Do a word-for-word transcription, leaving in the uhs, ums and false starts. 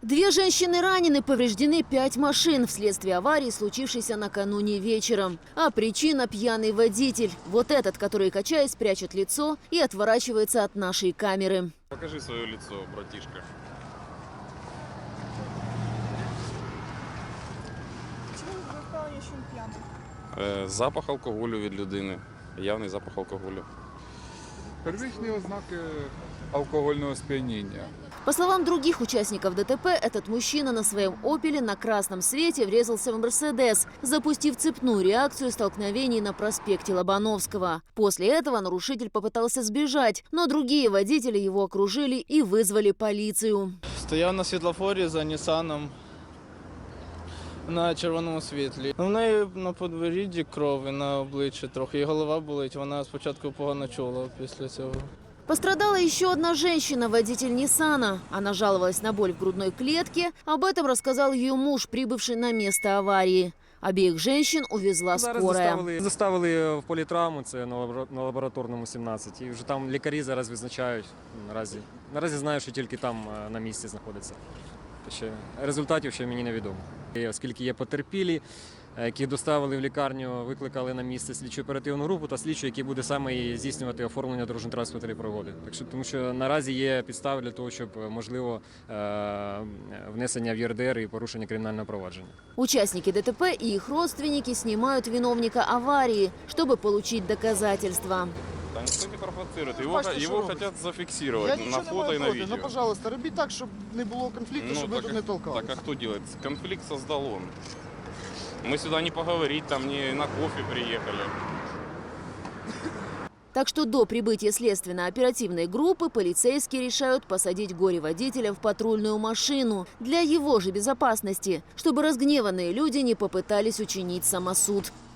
Две женщины ранены, повреждены пять машин вследствие аварии, случившейся накануне вечером. А причина – пьяный водитель. Вот этот, который, качаясь, прячет лицо и отворачивается от нашей камеры. Покажи свое лицо, братишка. Чому ви впевнені, що він п'яний? Е, запах алкоголю від людини. Явний запах алкоголю. Первичні ознаки алкогольного сп'яніння. По словам других участников ДТП, этот мужчина на своем «Опеле» на красном свете врезался в «Мерседес», запустив цепную реакцию столкновений на проспекте Лобановского. После этого нарушитель попытался сбежать, но другие водители его окружили и вызвали полицию. Стояв на світлофорі за Нісаном на червоному світлі. У неї на подборідді кров і на обличчі трохи, і голова болить. Вона спочатку погано чула після цього. Пострадала еще одна женщина, водитель Ниссана. Она жаловалась на боль в грудной клетке. Об этом рассказал ее муж, прибывший на место аварии. Обеих женщин увезла Зараз скорая. доставили, доставили в політравму, це на лабора- на лабораторному сімнадцять. І вже там лікарі зараз визначають. Наразі, наразі знаю, що тільки там е, на місці знаходиться. Ще результатів ще мені невідомо. І оскільки є потерпілі, е, яких доставили в лікарню, викликали на місце слідчу оперативну групу та слідчу, який буде саме і здійснювати оформлення дорожньо-транспортної пригоди. Так що, тому що наразі є підстави для того, щоб можливо е, внесення в ЄРДР і порушення кримінального провадження. Участники ДТП и их родственники снимают виновника аварии, чтобы получить доказательства. Да никто не провоцирует. Ну, Его, бачите, що его робить? хотят Я зафиксировать на нічого не фото маю и на проти. видео. Ну, пожалуйста, робіть так, щоб не було конфлікту, щоб ви так, тут не толкали. так а кто делает? Конфликт создал он. Мы сюда не поговорить, там не на кофе приехали. Так что до прибытия следственно-оперативной группы полицейские решают посадить горе-водителя в патрульную машину для его же безопасности, чтобы разгневанные люди не попытались учинить самосуд.